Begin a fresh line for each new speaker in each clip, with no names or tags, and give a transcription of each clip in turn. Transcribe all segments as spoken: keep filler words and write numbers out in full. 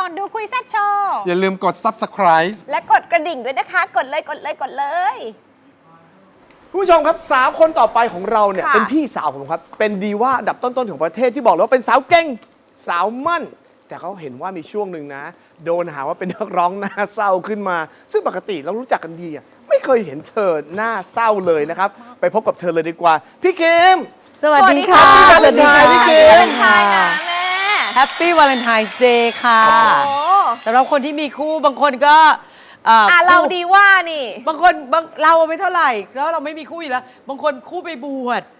ก่อนดูคุยแซ่บโชว์
อย่าลืมกด ซับสไครบ์
และกดกระดิ่งด้วยนะคะ กดเลยกดเลยกดเลย
คุณผู้ชมครับสาวคนต่อไปของเราเนี่ย
ค่ะ
เป็นพี่สาวผมครับเป็นดีว่าอันดับต้นๆของประเทศที่บอกเลยว่าเป็นสาวเก่งสาวมั่น แต่เขาเห็นว่ามีช่วงหนึ่งนะ โดนหาว่าเป็นนักร้องหน้าเศร้าขึ้นมา ซึ่งปกติเรารู้จักกันดีอะไม่เคยเห็นเธอหน้าเศร้าเลยนะครับไปพบกับเธอเลยดีกว่าพี่เคม
สวัสดีค่ะ
สวัสดีค่ะพี่เกม
ใช่นะแม่
แฮปปี้วาเลนไทน์เดย์ค่ะ
โอ้
สำหรับคนที่มีคู่บางคนก็เอ่อ
อ่ะ
คู่
เราดีว่านี่
บางคนบางเราไม่เท่าไหร่แล้วเราไม่มีคู่อยู่แล้ว บางคนคู่ไปบวช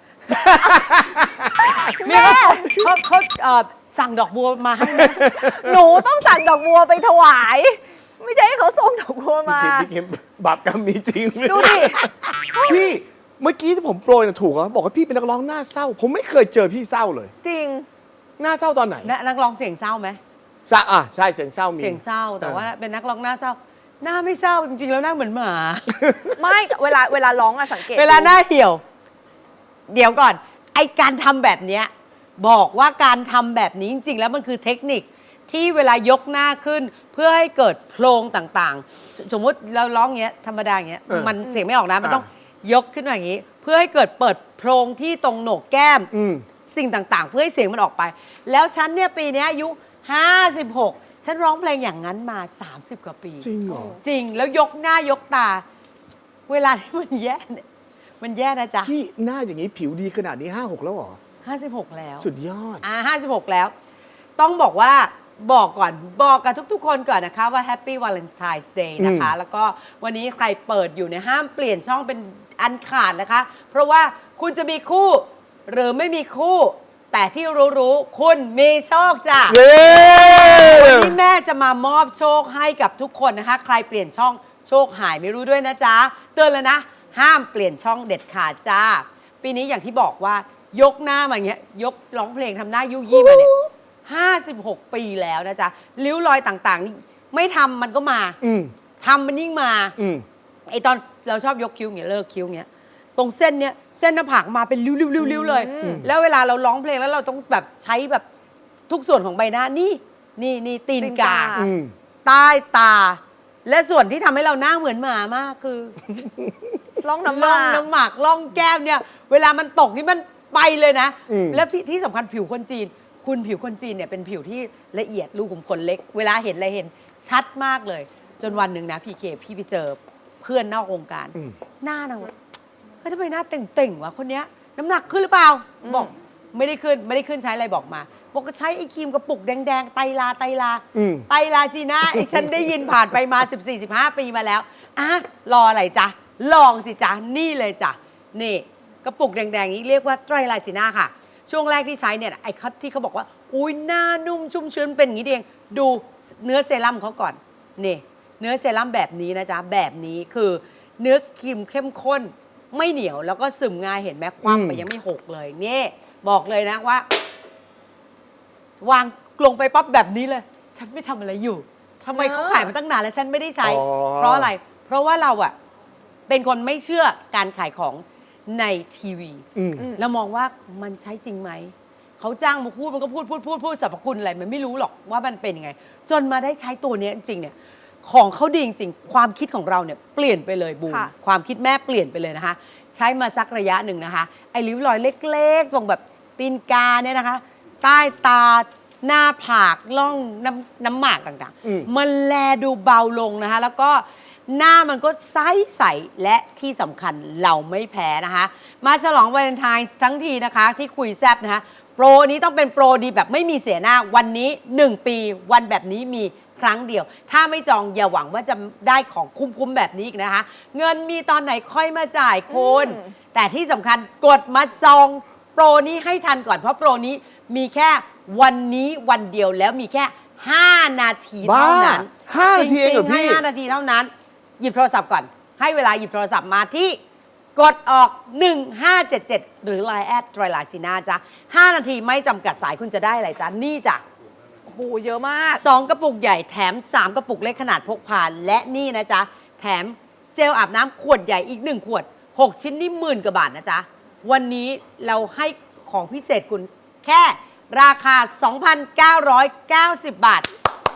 แม่
เขาเขาเอ่อสั่งดอกบัวมาให้นะ
หนูต้องสั่งดอกบัวไปถวาย ไม่ใช่ให้เขาส่งดอกบัวมา
พี่เคมพี่เคมบาปกรรมมีจริง
ดูดิ
พี่เมื่อกี้ที่ผมโปรยน่ะถูกเหรอบอกว่าพี่เป็นนักร้องหน้าเศร้า ผมไม่เคยเจอพี่เศร้าเลย
จริง
หน้าเศร้าตอนไหน
นะนักร้องเสียงเศร้าไหม
ใช่อ่ะใช่เสียงเศร้ามี
เสียงเศร้าแต่ว่าเป็นนักร้องหน้าเศร้า หน้าไม่เศร้าจริงๆแล้วหน้าเหมือนหมา
ไม่เวลาเวลาร้องอะสังเกต
เวลาหน้าเหี่ยว เดี๋ยวก่อน ไอการทำแบบเนี้ยบอกว่าการทำแบบนี้จริงๆแล้วมันคือเทคนิคที่เวลายกหน้าขึ้น เพื่อให้เกิดโพรงต่างๆ สมมุติเราร้องอย่างเงี้ยธรรมดาอย่างเงี้ย
เออ
มันเสียงไม่ออกนะมัน
อ่ะ
ต้องยกขึ้นมาอย่างงี้ เพื่อให้เกิดเปิดโพรงที่ตรงโหนกแก้ม
อืม
สิ่งต่างๆ เพื่อให้เสียงมันออกไป แล้วฉันเนี่ยปีเนี้ยอายุห้าสิบหกฉันร้องเพลงอย่างนั้นมาสามสิบกว่าปี
จริงเหรอ
จริงแล้วยกหน้ายกตา เวลาที่มันแย่เนี่ยมันแย่นะจ๊ะ
พี่หน้าอย่างนี้ผิวดีขนาดนี้ห้าหกแล้วเหรอ
ห้าสิบหกแล้ว
สุดยอด
อ่าห้าสิบหกแล้ว ต้องบอกว่าบอกก่อนบอกกับทุกๆ คนก่อนนะคะว่า Happy Valentine's Day นะคะ
อืม
แล้วก็วันนี้ใครเปิดอยู่เนี่ยห้ามเปลี่ยนช่องเป็นอันขาดนะคะ เพราะว่าคุณจะมีคู่ หรือไม่มีคู่ แต่ที่รู้ๆคุณมีโชคจ้ะ
เย้
วันนี้แม่จะมามอบโชคให้กับทุกคนนะคะ ใครเปลี่ยนช่องโชคหายไม่รู้ด้วยนะจ๊ะ เตือนเลยนะ ห้ามเปลี่ยนช่องเด็ดขาดจ้า ปีนี้อย่างที่บอกว่ายกหน้ามาอย่างเงี้ย ยกร้องเพลงทำหน้ายุยี่มาเนี่ยห้าสิบหกปีแล้วนะจ๊ะ ริ้วรอยต่างๆนี่ไม่ทำมันก็มา
อืม
ทำมันยิ่งมา
อืม
ไอตอนเราชอบยกคิ้วอย่างเงี้ยเลิกคิ้วอย่างเงี้ยตรงเส้นเนี้ยเส้นหน้าผากมาเป็นริ้วๆๆๆเลย
อืม
แล้วเวลาเราร้องเพลงแล้วเราต้องแบบใช้แบบทุกส่วนของใบหน้านี่นี่นี่ตีนกา
อืม
ใต้ตา และส่วนที่ทำให้เราหน้าเหมือนหมามากคือ
ร้องน้ำ
ล่
มา
องน้ำหมากล่องแก้มเนี่ย เวลามันตกนี่มันไปเลยนะ
อืม
แล้วที่ที่สำคัญผิวคนจีน คุณผิวคนจีนเนี่ยเป็นผิวที่ละเอียดรูขุมขนเล็ก เวลาเห็นอะไรเห็นชัดมากเลย จนวันหนึ่งนะพี่เคพี่ไปเจอเพื่อนนอกวงการ
อืม
หน้านางแบบเฮ้ยทำไมหน้าเต่งๆวะคนเนี้ยน้ำหนักขึ้นหรือเปล่า บอกไม่ได้ขึ้นไม่ได้ขึ้นใช้อะไรบอกมาบอกก็ใช้ไอ้ครีมกระปุกแดงๆไตรลาไตรลา
อืม
ไตรลาจีน่าไอ้ฉันได้ยินผ่านไปมา สิบสี่ สิบห้า ปีมาแล้วอ่ะรออะไรจ๊ะ ลองสิจ๊ะ นี่เลยจ้ะ นี่ กระปุกแดงๆนี้เรียกว่าไตรลาจีน่าค่ะ ช่วงแรกที่ใช้เนี่ยไอ้คัที่เขาบอกว่า อุ้ยหน้านุ่มชุ่มชื้นเป็นอย่างนี้เองดูเนื้อเซรั่มเขาก่อนนี่เนื้อเซรั่มแบบนี้นะจ๊ะ แบบนี้คือเนื้อครีมเข้มข้น ไม่เหนียวแล้วก็ซึมง่ายเห็นไหมความไป
อืม
ยังไม่หกเลยนี่บอกเลยนะว่า วางลงไปปั๊บแบบนี้เลย ฉันไม่ทำอะไรอยู่ทำไมเขาขายมาตั้งนานแล้วฉันไม่ได้ใช้
อ๋อ
เพราะอะไร เพราะว่าเราอะเป็นคนไม่เชื่อการขายของในทีวี
อืม
แล้วมองว่ามันใช้จริงไหม เขาจ้างมาพูดมันก็พูดพูดพูดพูดสรรพคุณอะไรมันไม่รู้หรอกว่ามันเป็นยังไง จนมาได้ใช้ตัวเนี้ยจริงๆเนี่ยของเขาดีจริงๆความคิดของเราเนี่ยเปลี่ยนไปเลยบูม
ค่ะ
ความคิดแม่เปลี่ยนไปเลยนะคะ ใช้มาสักระยะหนึ่งนะคะ ไอ้ริ้วรอยเล็กๆตรงแบบตีนกาเนี่ยนะคะ ใต้ตาหน้าผากล่องน้ำน้ำหมากต่าง
อืม
ๆ มันแลดูเบาลงนะคะ แล้วก็หน้ามันก็ใสใสและที่สำคัญเราไม่แพ้นะคะ มาฉลองวาเลนไทน์ทั้งทีนะคะ ที่คุยแซบนะคะ โปรนี้ต้องเป็นโปรดีแบบไม่มีเสียหน้าวันนี้หนึ่งปีวันแบบนี้มีครั้งเดียว ถ้าไม่จองอย่าหวังว่าจะได้ของคุ้มๆแบบนี้อีกนะคะ เงินมีตอนไหนค่อยมาจ่ายคุณ
อืม
แต่ที่สำคัญกดมาจองโปรนี้ให้ทันก่อนเพราะโปรนี้มีแค่วันนี้วันเดียวแล้วมีแค่ ห้า นาทีเท่านั้น
บ้าห้านาทีเองเหรอ
จริงๆให้
พี่
ห้านาทีเท่านั้น หยิบโทรศัพท์ก่อน ให้เวลาหยิบโทรศัพท์มาที่กดออก หนึ่งห้าเจ็ดเจ็ด หรือ ไลน์ แอดไตรลาจีน่าจ้ะห้านาทีไม่จำกัดสายคุณจะได้อะไรจ้ะนี่จ้ะ
โอ้โหเยอะมาก
สองกระปุกใหญ่แถมสามกระปุกเล็กขนาดพกพาและนี่นะจ๊ะ แถมเจลอาบน้ำขวดใหญ่อีกหนึ่งขวด หก ชิ้นนี่หมื่นกว่าบาทนะจ๊ะ วันนี้เราให้ของพิเศษคุณแค่ราคา สองพันเก้าร้อยเก้าสิบ บาท ช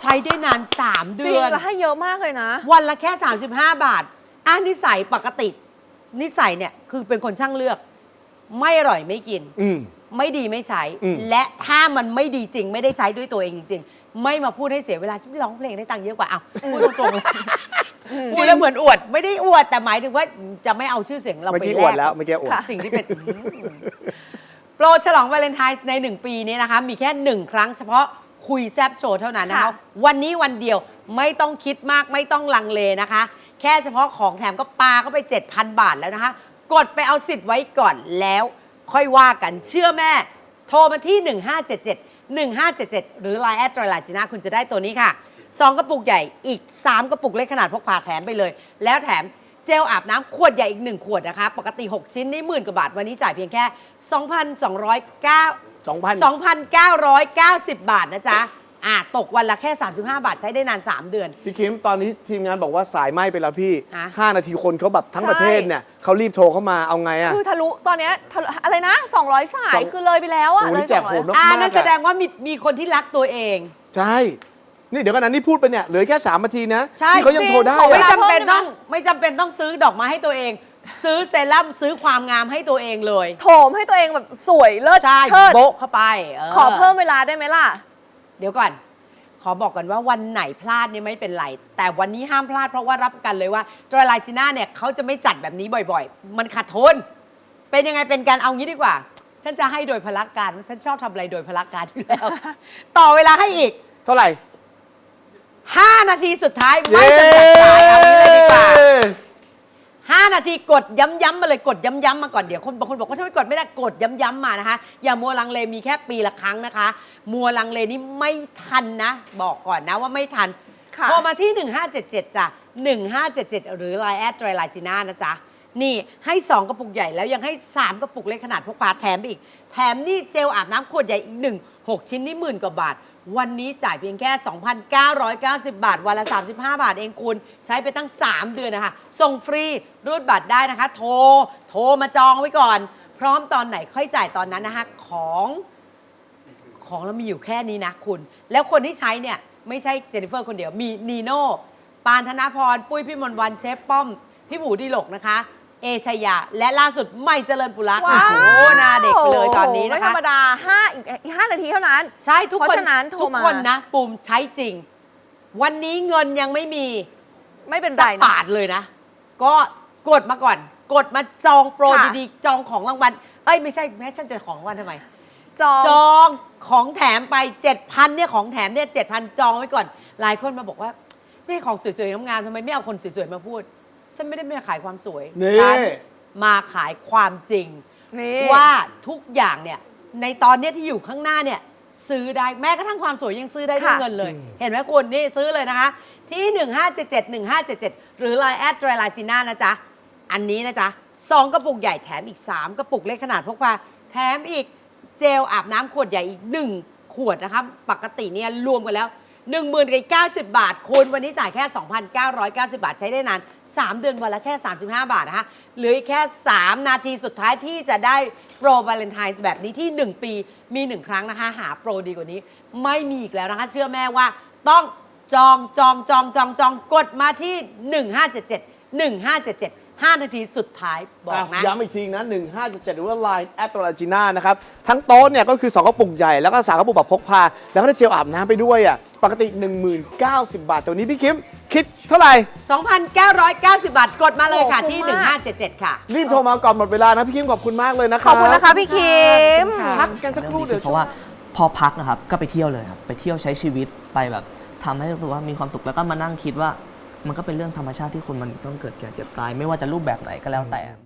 ช้ได้นาน สาม
จริ
เดื
ง
อน
แล้วให้เยอะมากเลยนะ
วันละแค่ สามสิบห้า บาทอ่ะนิสัยปกติ นิสัยเนี่ยคือเป็นคนช่างเลือก ไม่อร่อยไม่กิน
อืม
ไม่ดีไม่ใช้
อืม
และถ้ามันไม่ดีจริงไม่ได้ใช้ด้วยตัวเองจริง ๆ ไม่มาพูดให้เสียเวลาฉันไปร้องเพลงได้ตังค์เยอะกว่าเอาพูดตรงๆพูดแล้วเหมือนอวด ไม่ได้อวดแต่หมายถึงว่าจะไม่เอาชื่อเสียงเรา
เมื่อ
ไป
กี้
แล
อวด
ก
แล้วเมื่อกี้อวด
ค่ะ
สิ่งที่เป็น โปรฉลองวาเลนไทน์ในหนึ่งปีนี้นะคะ มีแค่หนึ่งครั้งเฉพาะคุยแซบโชว์เท่านั้นนะคะ
ค่ะ
วันนี้วันเดียวไม่ต้องคิดมากไม่ต้องลังเลนะคะ แค่เฉพาะของแถมก็ปาเข้าไป เจ็ดพัน บาทแล้วนะคะ กดไปเอาสิทธิ์ไว้ก่อนแล้วค่อยว่ากันเชื่อแม่ โทรมาที่ หนึ่งห้าเจ็ดเจ็ด หนึ่งห้าเจ็ดเจ็ด หรือ ไลน์ แอดไตรลาจีน่าคุณจะได้ตัวนี้ค่ะสองกระปุกใหญ่อีกสามกระปุกเล็กขนาดพกพาแถมไปเลย แล้วแถมเจลอาบน้ำขวดใหญ่อีกหนึ่งขวดนะคะ ปกติ หก ชิ้นนี่หมื่นกว่าบาท วันนี้จ่ายเพียงแค่ สองพันสองร้อยเก้า
สองพัน
สองพันเก้าร้อยเก้าสิบ บาทนะจ๊ะอ่าตกวันละแค่ สามสิบห้า บาทใช้ได้นาน สาม เดือน
พี่คิมตอนนี้ทีมงานบอกว่าสายไหม้ไปแล้วพี่
ฮะ
ห้านาทีคนเขาแบบทั้ง
ใช่
ประเทศเนี่ยเขารีบโทรเข้ามาเอาไงอะ
คือทะลุตอนเนี้ยทะลุอะไรนะ สองร้อย สาย
สอง
คือเลยไปแล้วอะ
โอ้
เลย
นี่แจก
สองร้อย
โหดเนอะ
อ่า
มาก
นั่น
อะ
แสดงว่ามีมีคนที่รักตัวเอง
ใช่ นี่เดี๋ยวกันนะนี่พูดไปเนี่ยเหลือแค่สามนาทีนะ
ใช่
ที่เขายังโทรได้
จริงขอเว
ไม่
ลา
อะ
จำเป็น
เพิ่มได้ไหม
ต้องไม่จำเป็นต้องซื้อดอกไม้ให้ตัวเอง ซื้อเซรั่มซื้อความงามให้ตัวเองเลย
โถมให้ตัวเองแบบสวยเลิศ
ใช่
เชิด
โบ๊ะเข้าไปเ
ขอเพิ่มเวลาได้ไหมล่ะ
เดี๋ยวก่อน ขอบอกกันว่าวันไหนพลาดเนี่ยไม่เป็นไร แต่วันนี้ห้ามพลาดเพราะว่ารับประกันเลยว่าจอยไลจีน่าเนี่ยเขาจะไม่จัดแบบนี้บ่อยๆ มันขาดทุนเป็นยังไงเป็นการเอางี้ดีกว่า ฉันจะให้โดยพละการฉันชอบทำอะไรโดยพละการอยู่แล้ว ต่อเวลาให้อีก
เท่าไหร่
ห้า นาทีสุดท้ายไม่จำกัดสายเอางี้เลยดีกว่า ห้า นาทีกดย้ำๆมาเลยกดย้ำๆมาก่อนเดี๋ยวคนบางคนบอกว่าถ้าไม่กดไม่ได้กดย้ำๆมานะคะ อย่ามัวลังเลมีแค่ปีละครั้งนะคะ มัวลังเลนี่ไม่ทันนะ บอกก่อนนะว่าไม่ทัน
ค่ะ
โทรมาที่ หนึ่งห้าเจ็ดเจ็ด จ้ะ หนึ่งห้าเจ็ดเจ็ด หรือ ไลน์ แอดไตรลาจีน่านะจ๊ะ นี่ให้ สอง กระปุกใหญ่แล้วยังให้ สาม กระปุกเล็กขนาดพกพาแถมไปอีก แถมนี่เจลอาบน้ำขวดใหญ่อีกหนึ่ง หก ชิ้นนี่หมื่นกว่าบาท วันนี้จ่ายเพียงแค่ สองพันเก้าร้อยเก้าสิบ บาท วันละ สามสิบห้า บาทเองคุณใช้ไปตั้ง สาม เดือนนะคะ ส่งฟรีรูดบัตรได้นะคะ โทร โทรมาจองไว้ก่อน พร้อมตอนไหนค่อยจ่ายตอนนั้นนะคะ ของ ของเรามีอยู่แค่นี้นะคุณ แล้วคนที่ใช้เนี่ย ไม่ใช่เจนนิเฟอร์คนเดียว มีนีโน่ ปานธนพร ปุ้ยพี่มนต์วันเชฟป้อม พี่หมูดีหลกนะคะ เอชยา และล่าสุดไม่เจริญปุระค่ะ
ว้าว
โอ้โหหน้าเด็กไปเลยตอนนี้
ไม่
นะ
ธร
คะ
รมดาห้าอีกอีกห้านาทีเท่านั้น
ใช่ทุก
เพ
คน
ราะฉะนั้นโทร
ทุก
มา
คนนะปุ่มใช้จริง วันนี้เงินยังไม่มี
ไม่เป็น
สั
ไร
ก
นะ
บาทเลยนะ ก็กดมาก่อน กดมาจองโปร
ค่ะ
ดีๆ จองของรางวัล เอ้ยไม่ใช่แม่ฉันจะของรางวัลทำไม
จอง
จองของแถมไป เจ็ดพัน เนี่ยของแถมเนี่ยเจ็ดพัน จองไว้ก่อน หลายคนมาบอกว่าไม่ให้ของสวยๆงามๆทำไมไม่เอาคนสวยๆมาพูด ฉันไม่ได้มาขายความสวย
นี่
ฉันมาขายความจริง
นี่
ว่าทุกอย่างเนี่ยในตอนเนี้ยที่อยู่ข้างหน้าเนี่ยซื้อได้แม้กระทั่งความสวยยังซื้อได้ด้วย
ค่ะ
เงินเลย เห็นไหมคุณนี่ซื้อเลยนะคะ ที่ หนึ่งห้าเจ็ดเจ็ด หนึ่งห้าเจ็ดเจ็ด หรือ ไลน์ แอดไตรลาจีน่านะจ๊ะ อันนี้นะจ๊ะสองกระปุกใหญ่แถมอีก สาม กระปุกเล็กขนาดพกพาแถมอีกเจลอาบน้ำขวดใหญ่อีก หนึ่ง ขวดนะคะปกติเนี่ยรวมกันแล้ว หนึ่งหมื่นเก้าสิบบาทคุณวันนี้จ่ายแค่ สองพันเก้าร้อยเก้าสิบ บาทใช้ได้นาน สาม เดือนวันละแค่ สามสิบห้า บาทนะคะเหลืออีกแค่ สาม นาทีสุดท้ายที่จะได้โปรวาเลนไทน์แบบนี้ที่ หนึ่ง ปีมี หนึ่ง ครั้งนะคะ หาโปรดีกว่านี้ไม่มีอีกแล้วนะคะ เชื่อแม่ว่าต้องจองจองจองจองจองกดมาที่ หนึ่งห้าเจ็ดเจ็ด หนึ่งห้าเจ็ดเจ็ด ห้า นาทีสุดท้ายบอกนะ
ย้ำอีกทีนะหนึ่งห้าเจ็ดเจ็ดหรือว่า ไลน์ แอดไตรลาจีน่านะครับ ทั้งโต๊ะเนี่ยก็คือ สอง กระปุกใหญ่แล้วก็สามกระปุกแบบพกพา แล้วก็ได้เจลอาบน้ำไปด้วยอ่ะปกติ หนึ่งหมื่นเก้าสิบ บาทแต่วันนี้พี่คิมคิดเท่าไหร่
สองพันเก้าร้อยเก้าสิบ บาทกดมาเลยค่ะ
โอ้
ที่
คุ้มมาก
หนึ่งห้าเจ็ดเจ็ด ค่ะ
รีบโทรมาก่อนหมดเวลานะพี่คิมขอบคุณมากเลยนะค
ข
รั
อบคุณนะคะพี่คิม
พักกันสักครู่เดี๋ยว
เพราะว่าพอพักนะครับก็ไปเที่ยวเลยครับไปเที่ยวใช้ชีวิตไปแบบทำให้รู้สึกว่ามีความสุขแล้วก็มานั่งคิดว่ามันก็เป็นเรื่องธรรมชาติที่คนมันต้องเกิดแก่เจ็บตาย ไม่ว่าจะรูปแบบไหนก็แล้วแต่